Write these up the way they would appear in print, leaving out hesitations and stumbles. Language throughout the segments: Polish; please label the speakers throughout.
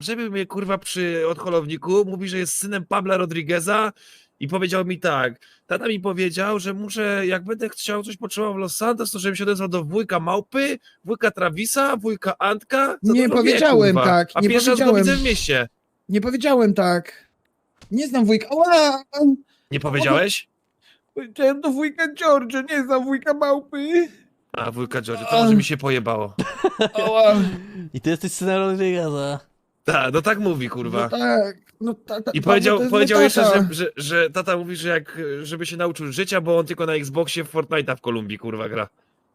Speaker 1: zaczepił mnie kurwa przy odholowniku, mówi, że jest synem Pabla Rodrigueza i powiedział mi tak, tata mi powiedział, że muszę, jak będę chciał coś potrzebował w Los Santos, to żebym się odezwał do wujka Małpy, wujka Travisa, wujka Antka. Co
Speaker 2: Nie
Speaker 1: dużo
Speaker 2: powiedziałem
Speaker 1: wie, kurwa.
Speaker 2: tak,
Speaker 1: A
Speaker 2: nie
Speaker 1: pierwszy raz go
Speaker 2: powiedziałem.
Speaker 1: widzę w mieście.
Speaker 2: Nie powiedziałem tak. Nie znam wujka. Ała!
Speaker 1: Nie powiedziałeś?
Speaker 2: Powiedziałem do wujka George, nie znam wujka Małpy.
Speaker 1: A wujka George, to może mi się pojebało.
Speaker 2: Ała!
Speaker 3: I ty jesteś synem Rodrigueza.
Speaker 1: Tak, no tak mówi, kurwa.
Speaker 2: No tak, no tak.
Speaker 1: I powiedział jeszcze, że tata mówi, że żeby się nauczył życia, bo on tylko na Xboxie w Fortnite'a w Kolumbii, kurwa, gra.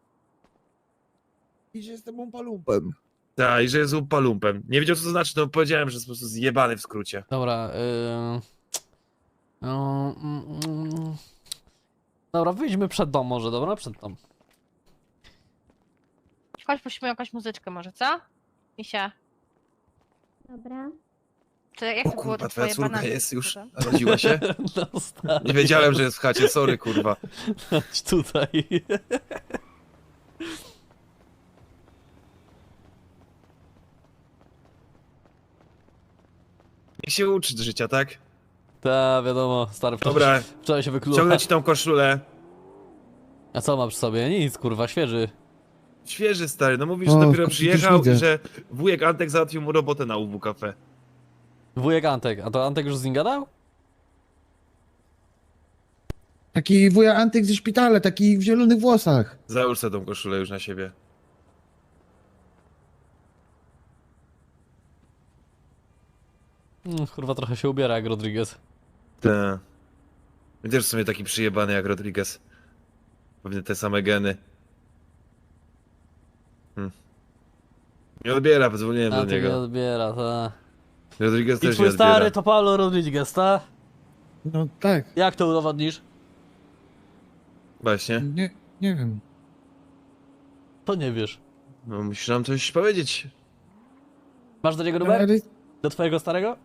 Speaker 2: I że jestem umpalumpem.
Speaker 1: Tak, i że jest umpalumpem. Nie wiedział, co to znaczy, no powiedziałem, że jest po prostu zjebany w skrócie.
Speaker 3: Dobra, Dobra, wyjdźmy przed dom może, dobra? Przed dom.
Speaker 4: Chodź, prosimy jakąś muzyczkę może, co? Misia.
Speaker 5: Dobra.
Speaker 4: To jak
Speaker 1: O
Speaker 4: to było
Speaker 1: kurwa,
Speaker 4: to
Speaker 1: twoja
Speaker 4: twoje
Speaker 1: córka
Speaker 4: banany?
Speaker 1: jest już, narodziła się?
Speaker 3: No stary,
Speaker 1: Nie wiedziałem, że jest w chacie, sorry, kurwa.
Speaker 3: chodź tutaj.
Speaker 1: Niech się uczy życia, tak?
Speaker 3: Ta, wiadomo, stary,
Speaker 1: Dobra,
Speaker 3: wczoraj się wykluła.
Speaker 1: ciągnę ci tą koszulę.
Speaker 3: A co ma przy sobie? Nic, kurwa, świeży.
Speaker 1: Świeży, stary, no mówisz,
Speaker 2: O,
Speaker 1: że dopiero
Speaker 2: przecież
Speaker 1: przyjechał
Speaker 2: widzę.
Speaker 1: i że wujek Antek załatwił mu robotę na UW Cafe.
Speaker 3: Wujek Antek, a to Antek już z nim gadał?
Speaker 2: Taki wuja Antyk ze szpitala, taki w zielonych włosach.
Speaker 1: Załóż sobie tą koszulę już na siebie.
Speaker 3: Kurwa, trochę się ubiera jak Rodriguez.
Speaker 1: Tak. I też w sumie taki przyjebany jak Rodriguez. Pewnie te same geny. Nie odbiera, pozwoliłem do
Speaker 3: Antek nie
Speaker 1: niego.
Speaker 3: odbiera, ta.
Speaker 1: Rodriguez
Speaker 3: I
Speaker 1: też nie
Speaker 3: twój
Speaker 1: odbiera.
Speaker 3: stary to Pablo Rodriguez, ta?
Speaker 2: No tak,
Speaker 3: Jak to udowodnisz?
Speaker 1: Właśnie.
Speaker 2: nie wiem.
Speaker 3: To nie wiesz.
Speaker 1: No musisz nam coś powiedzieć.
Speaker 3: Masz do niego numer?
Speaker 2: Ale,
Speaker 3: Do twojego starego?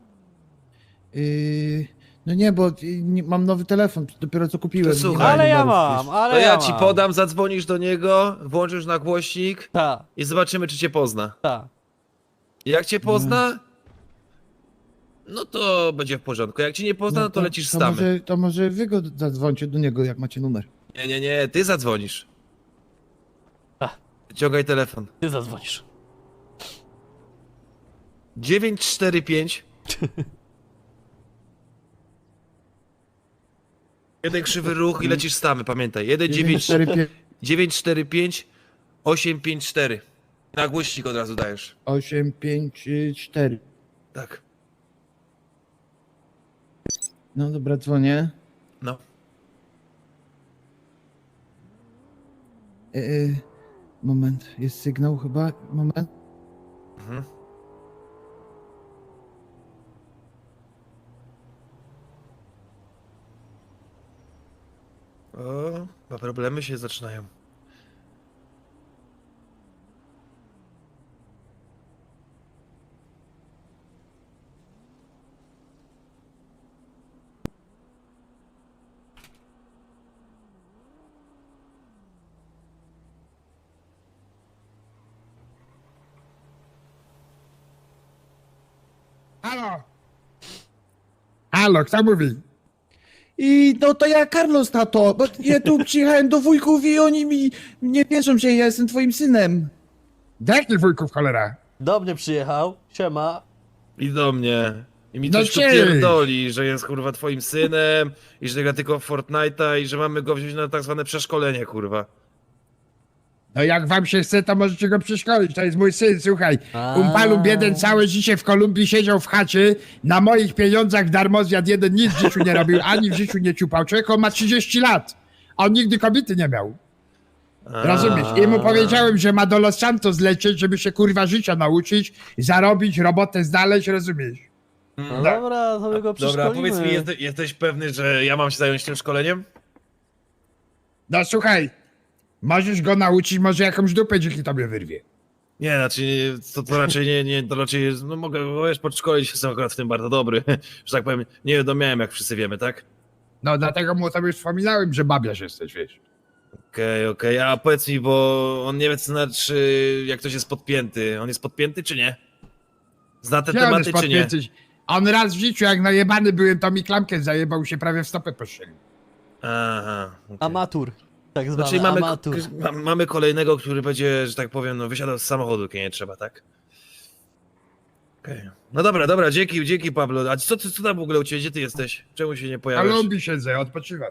Speaker 2: no nie, bo mam nowy telefon, dopiero co kupiłem.
Speaker 1: To słuchaj.
Speaker 2: Nie mam
Speaker 3: Ale ja
Speaker 2: numerów
Speaker 3: mam,
Speaker 2: już.
Speaker 3: ale
Speaker 1: To
Speaker 3: ja
Speaker 1: ja ci
Speaker 3: mam.
Speaker 1: podam, zadzwonisz do niego, włączysz na głośnik
Speaker 3: Ta,
Speaker 1: i zobaczymy, czy cię pozna.
Speaker 3: ta.
Speaker 1: Jak cię pozna, no to będzie w porządku. Jak cię nie pozna, no to lecisz z tamy.
Speaker 2: To może wy go zadzwońcie do niego, jak macie numer.
Speaker 1: Nie, ty zadzwonisz.
Speaker 3: A.
Speaker 1: Wyciągaj telefon.
Speaker 3: Ty zadzwonisz.
Speaker 1: 945 Jeden krzywy ruch i lecisz z tamy, pamiętaj.
Speaker 2: 945
Speaker 1: 945 854. Na głośnik od razu dajesz.
Speaker 2: 854.
Speaker 1: Tak.
Speaker 2: No dobra, dzwonię.
Speaker 1: No.
Speaker 2: Moment, jest sygnał chyba. Moment.
Speaker 1: Mhm. O, chyba problemy się zaczynają.
Speaker 2: Halo! Halo, kto mówi? I no to ja, Carlos, tato, bo ja tu przyjechałem do wujków i oni mi nie wierzą, że ja jestem twoim synem. Jakich wujków, cholera?
Speaker 3: Do mnie przyjechał, siema.
Speaker 1: I do mnie. I mi
Speaker 2: No
Speaker 1: coś tu
Speaker 2: cześć.
Speaker 1: pierdoli, że jest kurwa twoim synem i że gra tylko w Fortnite'a i że mamy go wziąć na tak zwane przeszkolenie, kurwa.
Speaker 2: No jak wam się chce, to możecie go przeszkolić, to jest mój syn, słuchaj. Umpalum jeden całe życie w Kolumbii siedział w chacie, na moich pieniądzach darmo zjadł jeden, nic w życiu nie robił, ani w życiu nie ciupał. Człowiek on ma 30 lat, a on nigdy kobiety nie miał. Rozumiesz? I mu powiedziałem, że ma do Los Santos lecieć, żeby się kurwa życia nauczyć, zarobić, robotę znaleźć, rozumiesz?
Speaker 3: No dobra, to my go przeszkolimy.
Speaker 1: Dobra, powiedz mi, jesteś pewny, że ja mam się zająć tym szkoleniem?
Speaker 2: No słuchaj, możesz go nauczyć, może jakąś dupę dzięki tobie wyrwie.
Speaker 1: Nie, znaczy, to raczej to raczej, no mogę go wiesz, podszkolić, jestem akurat w tym bardzo dobry, że tak powiem, nie wiadomiałem, jak wszyscy wiemy, tak?
Speaker 2: No dlatego mu tobie wspominałem, że babiarz jesteś, wiesz.
Speaker 1: Okej, a powiedz mi, bo on nie wie, co znaczy, jak ktoś jest podpięty. On jest podpięty, czy nie? Zna te
Speaker 2: Gdzie on jest
Speaker 1: tematy, czy nie?
Speaker 2: podpięty? On raz w życiu, jak najebany byłem, to mi klamkę zajebał, się prawie w stopę postrzelił.
Speaker 1: Aha. okej.
Speaker 3: Amatur. Tak zwany
Speaker 1: Znaczy mamy,
Speaker 3: amatur.
Speaker 1: mamy kolejnego, który będzie, że tak powiem, no wysiadał z samochodu, kiedy nie trzeba, tak? Okej. No dobra, dzięki Pablo. A co tam w ogóle u ciebie, gdzie ty jesteś? Czemu się nie
Speaker 2: A
Speaker 1: pojawiasz?
Speaker 2: lubi siedzę, odpoczywam.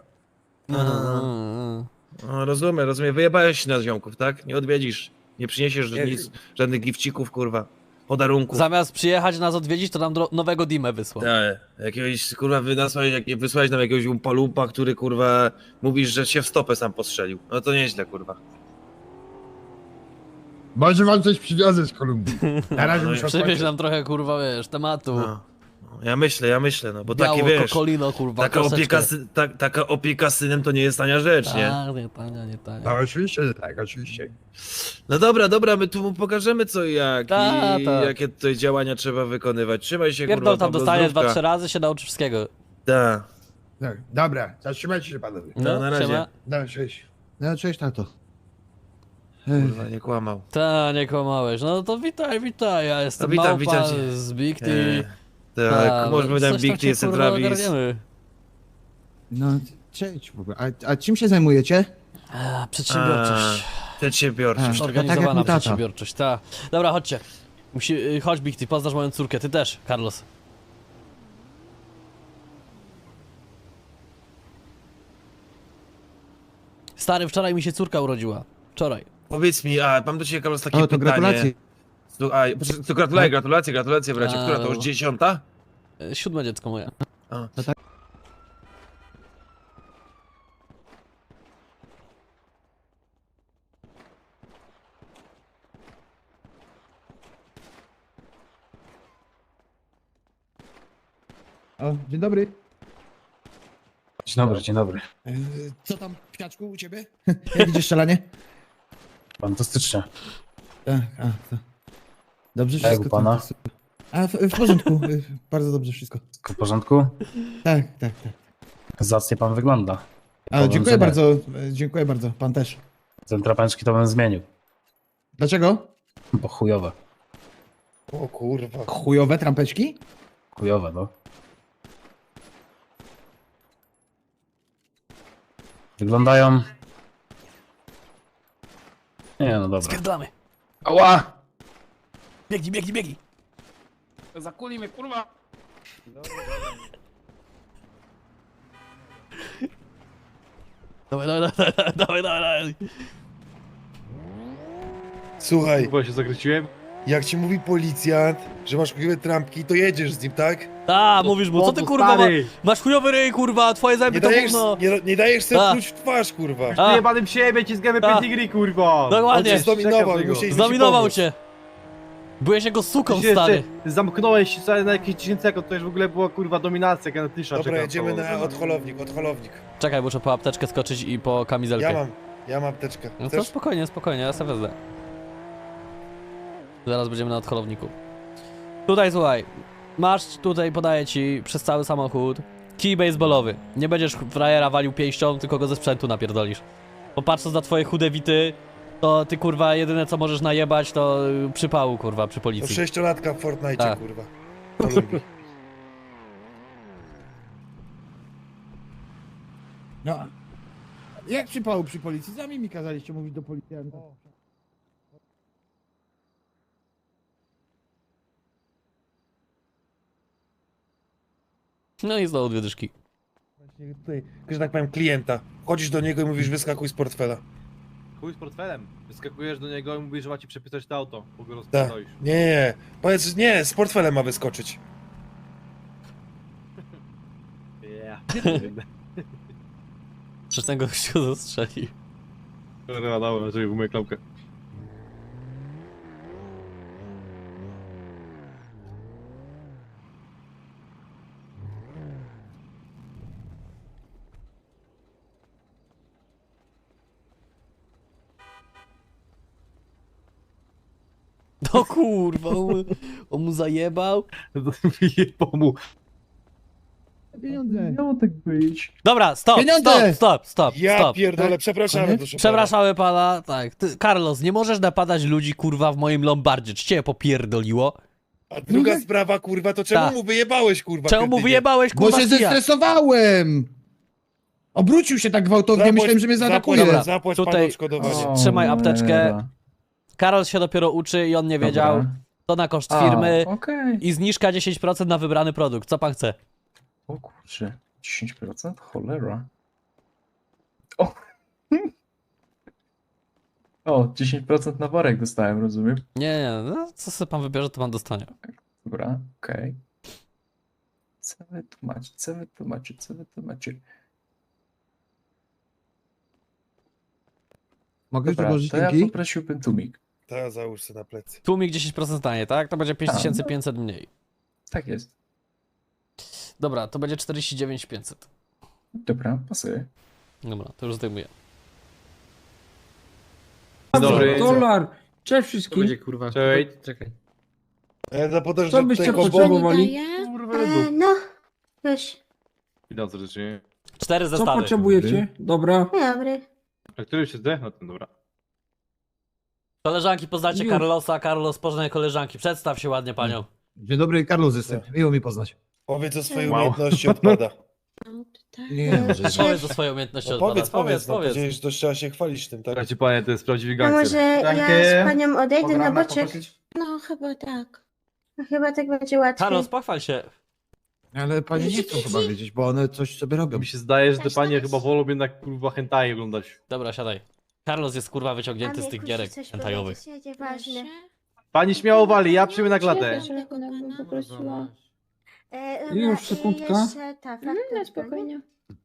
Speaker 1: No, rozumiem. Wyjebałeś się na ziomków, tak? Nie odwiedzisz, nie przyniesiesz nic, żadnych gifcików, kurwa, podarunków.
Speaker 3: Zamiast przyjechać nas odwiedzić, to nam nowego Dimę wysłał.
Speaker 1: Tak, jakiegoś, kurwa, wysłałeś nam jakiegoś umpa-lumpa, który, kurwa, mówisz, że się w stopę sam postrzelił. No to nieźle, kurwa.
Speaker 2: Może wam coś przywiozę z Kolumbii. Na razie
Speaker 1: No i
Speaker 2: muszę
Speaker 3: Przywieź
Speaker 2: odpocząć.
Speaker 3: nam trochę, kurwa, wiesz, tematu.
Speaker 1: No. Ja myślę, no, bo
Speaker 3: Biało
Speaker 1: taki, wiesz,
Speaker 3: kokolino, kurwa,
Speaker 1: taka
Speaker 3: troszeczkę.
Speaker 1: taka opieka synem to nie jest tania rzecz, nie?
Speaker 3: Tak, nie tania, nie tania.
Speaker 2: No oczywiście, że tak, oczywiście.
Speaker 1: No dobra, my tu mu pokażemy co i jak
Speaker 3: Ta,
Speaker 1: i
Speaker 3: ta.
Speaker 1: jakie tutaj działania trzeba wykonywać. Trzymaj się,
Speaker 3: Pierdol
Speaker 1: kurwa,
Speaker 3: tam
Speaker 1: Pablo,
Speaker 3: dostanie
Speaker 1: zdrówka.
Speaker 3: 2-3 razy, się nauczy wszystkiego.
Speaker 1: Tak,
Speaker 2: Tak, dobra, zatrzymajcie się panowie.
Speaker 1: No, na razie.
Speaker 3: siema.
Speaker 2: No, cześć. No, cześć tato.
Speaker 1: kurwa, nie kłamał.
Speaker 3: Ta, nie kłamałeś. No to witaj, ja jestem
Speaker 1: No, witam
Speaker 3: Małpa
Speaker 1: cię.
Speaker 3: z Big T.
Speaker 1: Tak, może
Speaker 3: coś
Speaker 1: powiedziałem
Speaker 3: tam
Speaker 1: Big T,
Speaker 3: cię,
Speaker 1: jestem
Speaker 3: kurwa,
Speaker 1: Travis.
Speaker 3: ogarniemy.
Speaker 6: No, cześć w ogóle. A czym się zajmujecie?
Speaker 3: Przedsiębiorczość.
Speaker 1: Przedsiębiorczość.
Speaker 6: A,
Speaker 3: Organizowana
Speaker 6: tak jak mój tata.
Speaker 3: przedsiębiorczość, ta. Dobra, chodźcie. Chodź Big T, poznasz moją córkę, ty też, Carlos. Stary, wczoraj mi się córka urodziła. Wczoraj.
Speaker 1: Powiedz mi, mam do ciebie, Carlos, takie
Speaker 6: O, to
Speaker 1: pytanie.
Speaker 6: gratulacje.
Speaker 1: To gratulacje, bracie. Która to już 10?
Speaker 3: 7 dziecko moje.
Speaker 6: O, dzień dobry.
Speaker 7: Dzień dobry.
Speaker 6: Co tam, Ptaczku, u ciebie? Jak idzie strzelanie?
Speaker 7: Fantastycznie.
Speaker 6: Tak, to. Dobrze
Speaker 7: A jak
Speaker 6: wszystko?
Speaker 7: u pana?
Speaker 6: to super. A, w porządku, bardzo dobrze wszystko.
Speaker 7: Wszystko w porządku?
Speaker 6: Tak.
Speaker 7: Zacnie pan wygląda.
Speaker 6: A,
Speaker 7: Powiem,
Speaker 6: dziękuję
Speaker 7: że nie.
Speaker 6: bardzo, pan też.
Speaker 7: Ten trapeczki to bym zmienił,
Speaker 6: Dlaczego?
Speaker 7: bo chujowe.
Speaker 1: O kurwa.
Speaker 6: Chujowe trampeczki?
Speaker 7: Chujowe, no. Wyglądają... Nie, no dobra.
Speaker 3: Spierdlamy.
Speaker 7: Ała!
Speaker 3: Biegnij.
Speaker 7: Zakuli mnie, kurwa!
Speaker 3: Dawaj.
Speaker 8: Słuchaj,
Speaker 7: Chyba się zakręciłem.
Speaker 8: jak ci mówi policjant, że masz chujowe trampki, to jedziesz z nim, tak?
Speaker 3: A, mówisz mu, co ty kurwa masz chujowy ryj, kurwa, twoje zęby
Speaker 8: Nie
Speaker 3: to
Speaker 8: dajesz,
Speaker 3: gówno.
Speaker 8: nie dajesz sobie
Speaker 3: A.
Speaker 8: pluć w twarz, kurwa.
Speaker 3: A,
Speaker 7: Jebanym siebie, ciskamy
Speaker 3: A.
Speaker 7: pedigree, kurwa!
Speaker 8: On
Speaker 3: dokładnie,
Speaker 8: cię zdominował i
Speaker 7: Czekam
Speaker 8: musieliśmy ci
Speaker 3: zdominował
Speaker 8: pomóc.
Speaker 3: cię. Byłeś jego suką, stary.
Speaker 7: Zamknąłeś się na jakieś 10 sekund, to już w ogóle była kurwa dominacja, genetyczna.
Speaker 8: Dobra, jedziemy na odholownik.
Speaker 3: Czekaj, muszę po apteczkę skoczyć i po kamizelkę.
Speaker 8: Ja mam apteczkę.
Speaker 3: No to
Speaker 8: Chcesz?
Speaker 3: spokojnie, ja sobie wezmę. Zaraz będziemy na odholowniku. Tutaj słuchaj, masz tutaj, podaję ci przez cały samochód kij baseballowy. Nie będziesz frajera walił pięścią, tylko go ze sprzętu napierdolisz. Bo patrząc na twoje chude wity, to ty kurwa jedyne co możesz najebać to przypału kurwa przy
Speaker 8: To
Speaker 3: policji.
Speaker 8: 6-latka w Fortnite,
Speaker 3: Tak.
Speaker 8: kurwa. To lubi.
Speaker 6: No. Jak przypału przy policji? Sami mi kazaliście mówić do policjanta.
Speaker 3: No i znowu 2 dyszki.
Speaker 8: Właśnie tutaj, że tak powiem, klienta. Chodzisz do niego i mówisz, wyskakuj z portfela.
Speaker 7: Chuj z portfelem. Wyskakujesz do niego i mówisz, że ma ci przepisać to auto, bo go
Speaker 8: Tak.
Speaker 7: rozpierdolisz.
Speaker 8: Nie. Powiedz, nie, z portfelem ma wyskoczyć.
Speaker 7: Yeah.
Speaker 3: Przecież ten gościu zastrzeli.
Speaker 7: Dobra, dobra, żeby umyję klamkę.
Speaker 3: No kurwa, on mu zajebał.
Speaker 7: Wyjebał mu.
Speaker 6: Pieniądze.
Speaker 7: Miało tak być.
Speaker 3: Dobra, stop.
Speaker 6: Pieniądze!
Speaker 8: Ja pierdolę,
Speaker 6: Tak?
Speaker 8: przepraszamy,
Speaker 6: Koniec?
Speaker 8: proszę pana.
Speaker 3: Przepraszamy pana, tak. Ty, Carlos, nie możesz napadać ludzi kurwa w moim lombardzie. Czy cię popierdoliło?
Speaker 8: A druga sprawa, kurwa, to czemu
Speaker 3: Tak.
Speaker 8: mu wyjebałeś, kurwa?
Speaker 3: Czemu mu
Speaker 8: kretynie?
Speaker 3: wyjebałeś,
Speaker 2: Bo
Speaker 3: kurwa,
Speaker 2: się
Speaker 3: kija?
Speaker 2: zestresowałem! Obrócił się tak gwałtownie, myślałem, że mnie zaatakuje.
Speaker 3: Dobra,
Speaker 8: Zapłać
Speaker 3: tutaj-
Speaker 8: panu odszkodowanie.
Speaker 3: Trzymaj apteczkę. Karol się dopiero uczy i on nie wiedział. To na koszt firmy
Speaker 9: Okej.
Speaker 3: i zniżka 10% na wybrany produkt. Co pan chce?
Speaker 9: O kurczę, 10%? Cholera. O! O, 10% na worek dostałem, rozumiem?
Speaker 3: Nie, no co sobie pan wybierze, to pan dostanie.
Speaker 9: Dobra, okej. Co wy tu macie, co wy tu macie, co wy tu macie?
Speaker 2: Mogę już
Speaker 9: Dobra,
Speaker 2: dołożyć
Speaker 9: to ja
Speaker 2: linki?
Speaker 9: poprosiłbym tłumik.
Speaker 8: To załóż sobie na plecy.
Speaker 3: Tłumik 10% stanie, tak? To będzie 5500 mniej.
Speaker 9: Tak jest.
Speaker 3: Dobra, to będzie 49500.
Speaker 9: Dobra, pasuje.
Speaker 3: Dobra, to już zdejmuję.
Speaker 7: Dobry.
Speaker 6: Dolar! Cześć wszystkim!
Speaker 10: kurwa.
Speaker 7: Cześć.
Speaker 10: Czekaj.
Speaker 8: Ja podasz
Speaker 6: Co
Speaker 8: do
Speaker 6: byście
Speaker 8: tego
Speaker 6: potrzebowali?
Speaker 5: No, już.
Speaker 7: Witam serdecznie.
Speaker 3: 4
Speaker 6: Co
Speaker 3: zestawy.
Speaker 6: potrzebujecie? Dobra.
Speaker 5: Dobry.
Speaker 7: A który się zdech? No to dobra.
Speaker 3: Koleżanki, poznacie
Speaker 6: Już.
Speaker 3: Carlosa. Carlos, poznaj koleżanki. Przedstaw się ładnie panią.
Speaker 2: Dzień dobry, Carlos jestem. Miło mi poznać.
Speaker 8: Powiedz o swojej
Speaker 7: Wow.
Speaker 8: umiejętności odpada.
Speaker 5: No, tutaj.
Speaker 2: Nie, może
Speaker 3: Powiedz o swojej umiejętności
Speaker 8: No
Speaker 3: odpada.
Speaker 8: powiedz, no powiedziałeś, że to trzeba się chwalić tym, tak?
Speaker 7: Słuchajcie panie, to jest prawdziwy
Speaker 5: A
Speaker 7: gangster.
Speaker 5: może ja z panią odejdę na boczek? No, chyba tak. No, chyba tak będzie łatwiej.
Speaker 3: Carlos, pochwal się.
Speaker 2: Ale pani nie chcą chyba wiedzieć, bo one coś sobie robią.
Speaker 7: Mi się zdaje, że te panie chyba wolą jednak kurwa hentai oglądać.
Speaker 3: Dobra, siadaj. Carlos jest kurwa wyciągnięty z tych gierek hentajowych.
Speaker 5: Ważne.
Speaker 7: Pani śmiało wali, ja przyjmę na klatę.
Speaker 6: Już, sekundka.
Speaker 5: Jeszcze ta faktura. Spokojnie.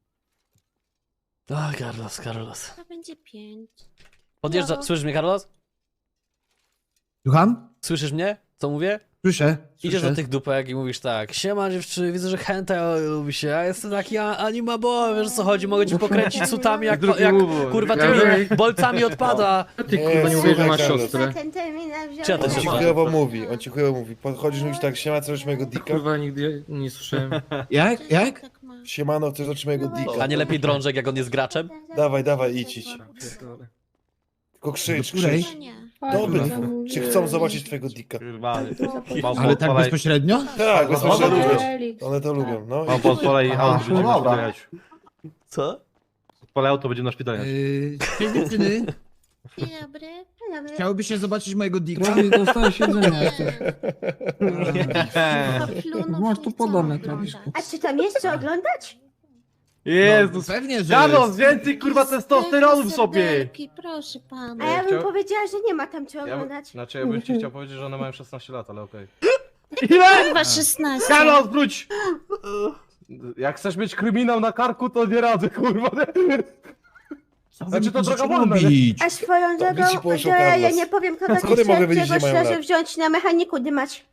Speaker 3: O, Carlos.
Speaker 5: To będzie 5.
Speaker 3: Podjeżdża.
Speaker 5: No.
Speaker 3: Słyszysz mnie, Carlos?
Speaker 2: Słucham?
Speaker 3: Słyszysz mnie? Co mówię?
Speaker 2: Słyszę.
Speaker 3: Idziesz
Speaker 2: słyszę.
Speaker 3: do tych dupek i mówisz tak: siema dziewczyny, widzę, że hentai lubi się, a jestem taki anima boy, wiesz o co chodzi, mogę ci pokręcić sutami jak kurwa tymi bolcami odpada.
Speaker 10: Ty kurwa nie mówię, że masz
Speaker 8: Carlos.
Speaker 10: siostrę.
Speaker 5: Ten terminal wziąłem.
Speaker 3: Czy ja to
Speaker 8: On
Speaker 3: się
Speaker 8: ci
Speaker 3: ma?
Speaker 8: chujowo mówi, Podchodzisz, mówisz tak, siema, chcesz mojego dika?
Speaker 10: Kurwa nigdy nie słyszałem.
Speaker 2: Jak? Jak?
Speaker 5: Tak ma.
Speaker 8: Siemano, chcesz zobaczyć mojego dika?
Speaker 3: A nie lepiej drążek, jak on jest graczem?
Speaker 8: Dawaj, idź. Tylko krzycz.
Speaker 5: Nie.
Speaker 8: Dobry, czy chcą zobaczyć twojego dika?
Speaker 7: Kurwa.
Speaker 2: Ale tak bezpośrednio?
Speaker 8: Tak, bezpośrednio.
Speaker 7: Lubię.
Speaker 8: One to lubią, no.
Speaker 7: Mam pozwolę auto, będziemy na szpitaliać.
Speaker 3: Co?
Speaker 7: Odpalę auto, będziemy na szpitaliać.
Speaker 2: Cześć dziewczyny.
Speaker 5: Dzień dobry. Dzień dobry.
Speaker 2: Chciałoby się zobaczyć mojego dika?
Speaker 6: Travis, dostałeś jedzenia jak coś. Masz tu podane, Travisku.
Speaker 5: A czy tam jest co oglądać?
Speaker 7: Jezus!
Speaker 2: Pewnie, że
Speaker 7: Carlos, więcej kurwa testosteronu w sobie!
Speaker 5: Proszę pana. A ja bym powiedziała, że nie ma tam co oglądać.
Speaker 7: Znaczy ja bym ci chciał powiedzieć, że one mają 16 lat, ale okej.
Speaker 5: Chyba 16.
Speaker 7: Carlos, wróć! Jak chcesz mieć kryminał na karku, to nie radzę, kurwa. Znaczy to droga wolna, nie?
Speaker 2: robić.
Speaker 5: A swoją
Speaker 8: To by
Speaker 5: drogą,
Speaker 8: ci
Speaker 5: to
Speaker 8: poszło,
Speaker 5: ja
Speaker 8: Carlos.
Speaker 5: nie powiem kogo
Speaker 8: Skąd
Speaker 5: ci
Speaker 8: mogę wiedzieć,
Speaker 5: czego
Speaker 8: że mają
Speaker 5: szczerze
Speaker 8: lat?
Speaker 5: wziąć na mechaniku dymać.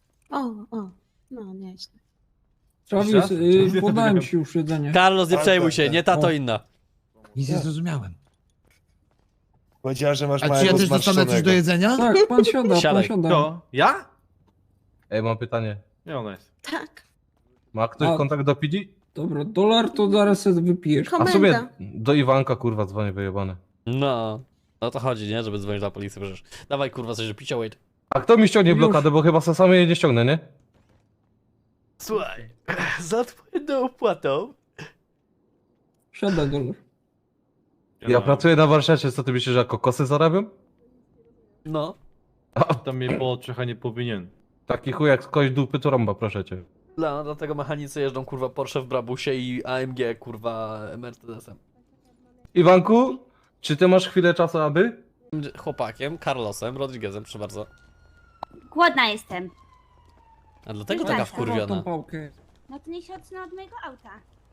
Speaker 5: No nieźle.
Speaker 6: Travis, podałem ci już jedzenie.
Speaker 3: Carlos, nie
Speaker 8: Tak,
Speaker 3: przejmuj
Speaker 8: tak,
Speaker 3: się,
Speaker 8: tak.
Speaker 3: nie ta to inna.
Speaker 2: Nic nie zrozumiałem.
Speaker 8: Powiedziała, że masz
Speaker 2: A czy ja
Speaker 8: małego
Speaker 2: też dostanę coś do
Speaker 8: zmarszczonego.
Speaker 2: jedzenia?
Speaker 6: Tak, pan siada,
Speaker 3: Siadaj.
Speaker 6: pan siada.
Speaker 7: To? Ja? Ej, mam pytanie. Nie, ona jest.
Speaker 5: Tak.
Speaker 7: Ma ktoś
Speaker 6: A-
Speaker 7: kontakt do PD?
Speaker 6: Dobra, dolar to zaraz sobie wypijesz.
Speaker 7: A w sumie
Speaker 5: Komenda.
Speaker 7: do Iwanka, kurwa, dzwonię wyjebane.
Speaker 3: No. O to chodzi, nie? Żeby dzwonić na policję przecież. Dawaj kurwa coś do picia, wait.
Speaker 7: A kto mi ściągnie
Speaker 6: Już.
Speaker 7: blokadę, bo chyba sam jej nie ściągnę, nie?
Speaker 3: Słuchaj, za twoją opłatą.
Speaker 6: Siada dolar.
Speaker 7: Ja pracuję na warsztacie, co ty myślisz, że jako kosy zarabiam?
Speaker 3: No.
Speaker 7: A tam mnie po oczach, a nie powinien. Taki chuj jak skość dupy to rąba, proszę cię.
Speaker 3: No, dlatego mechanicy jeżdżą kurwa Porsche w Brabusie i AMG kurwa Mercedesem.
Speaker 7: Iwanku, czy ty masz chwilę czasu, aby?
Speaker 3: Chłopakiem, Carlosem, Rodriguezem, proszę bardzo.
Speaker 5: Głodna jestem.
Speaker 3: A dlatego
Speaker 5: Nie
Speaker 3: taka
Speaker 5: tak.
Speaker 6: Tą
Speaker 3: wkurwiona.
Speaker 6: pałkę.
Speaker 5: No to niech się odsunę od mojego auta.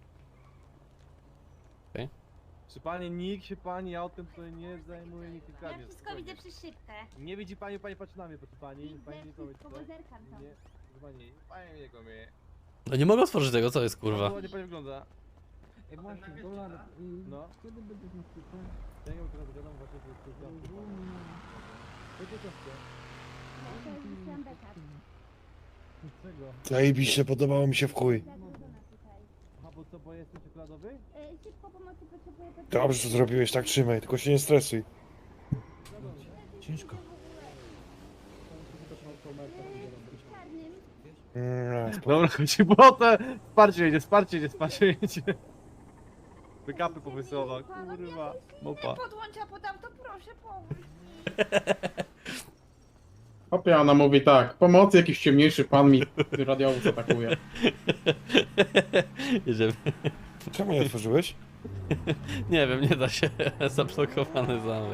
Speaker 7: Czy pani, nikt się pani autem tutaj nie zajmuje, nikt nie
Speaker 5: Ja
Speaker 7: kradnie.
Speaker 5: wszystko widzę przez szybkę.
Speaker 7: Nie widzi pani, pani patrzy na mnie, proszę pani. Pani nie to
Speaker 5: Wszystko, bo zerkam tam.
Speaker 7: Nie, proszę pani, pani mnie kłamie.
Speaker 3: No nie mogę otworzyć tego, co jest kurwa.
Speaker 7: Ładnie pani wygląda.
Speaker 6: Ej, właśnie, dolar.
Speaker 7: No.
Speaker 6: Kiedy będziesz na sklepie?
Speaker 7: Ja nie wiem, teraz gadam właśnie, że jest to
Speaker 8: Zajebiście, podobało mi się w chuj.
Speaker 7: A bo co, bo jestem czekoladowy?
Speaker 8: Dobrze, że zrobiłeś, tak trzymaj, tylko się nie stresuj.
Speaker 2: Ciężko.
Speaker 7: Dobra, chodzi błotę. Wsparcie jedzie. Wykapy powysyła, kurwa. Mopa.
Speaker 5: Podłącz, a podam, to proszę, pomóż.
Speaker 10: Hopie, ona mówi tak, pomocy, jakiś ciemniejszy pan mi radiowóz atakuje.
Speaker 3: Jedziemy.
Speaker 8: Czemu nie otworzyłeś?
Speaker 3: Nie wiem, nie da się. Zablokowany zamek.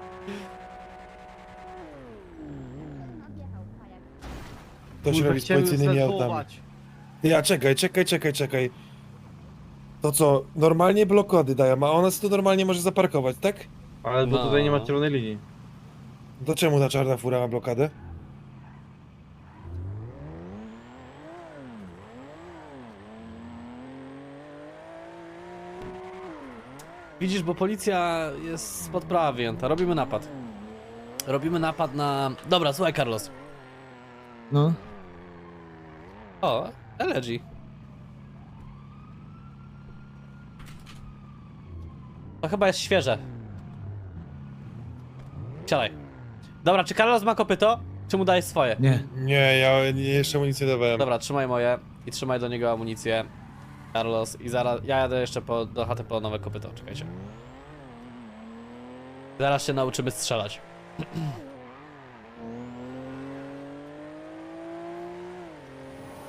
Speaker 8: To się robi z policyjnymi autami. Ja, czekaj. To co, normalnie blokady dają, a ona sobie tu normalnie może zaparkować, tak?
Speaker 7: Ale bo
Speaker 3: No.
Speaker 7: tutaj nie ma czerwonej linii.
Speaker 8: To czemu ta czarna fura ma blokadę?
Speaker 3: Widzisz, bo policja jest spod prawa wyjęta. Robimy napad. Robimy napad na... Dobra, słuchaj, Carlos.
Speaker 2: No.
Speaker 3: O, LG. To chyba jest świeże. Siadaj. Dobra, czy Carlos ma kopyto? Czy mu dajesz swoje?
Speaker 2: Nie.
Speaker 8: Nie, ja jeszcze mu nic nie dawałem.
Speaker 3: Dobra, trzymaj moje i trzymaj do niego amunicję. Carlos, i zaraz ja jadę jeszcze do chaty po nowe kopyto, czekajcie. Zaraz się nauczymy strzelać.